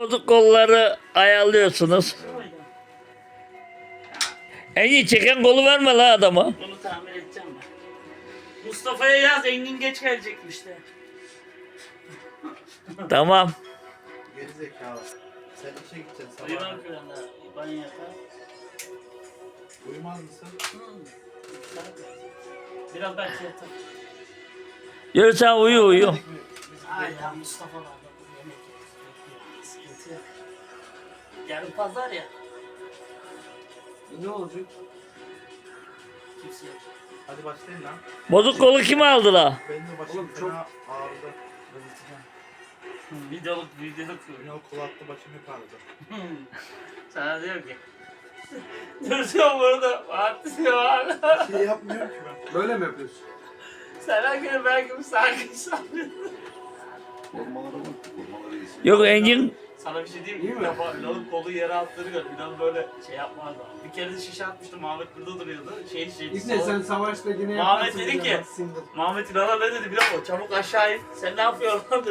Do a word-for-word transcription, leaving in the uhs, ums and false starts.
Bozuk kolları ayarlıyorsunuz. Engin çeken kolu verme la adama. Bunu tamir edeceğim ben. Mustafa'ya yaz, Engin geç gelecekmiş de. Tamam. Geri zekalı. Sen işe gideceksin sabah. Uyumam ki ben daha. Banyo yapar. Uyumaz mısın? Biraz belki yatar. Yürü sen uyu uyu. Ay ya Mustafa var da bu yemek yapıyor. Sıkıntı yok. Yarın pazar ya. Ne olacak? Kimse yok. Hadi başlayın lan. Bozuk kolu kim aldı la? Benim de başım Oğlum, fena çok- ağrıdı. Bezirteceğim. Videoluk videoluk. Ünal kulağı attı başım hep ağrıdı. Sana diyor ki. Duracağım burada. Fatih diyor hala. Bir şey yapmıyorum ki ben. Böyle mi yapıyorsun? Sana göre belki bir sakin sanıyor. Formalara bak, formalara iyisin. Yok Engin Sana bir şey diyeyim İyi mi? mi? İlk defa Ünal'ın kolu yere attığını gördüm. Ünal böyle şey yapmazdı. Bir kere de şişe atmıştım. Mahmet burada duruyordu. Şey şey. İbne sen savaşta yine Muhammed yaparsın dedi ya, ki- single. Mahmet Ünal'a ne dedi biliyor musun? Çabuk aşağı in. Sen ne yapıyorsun lan dedi.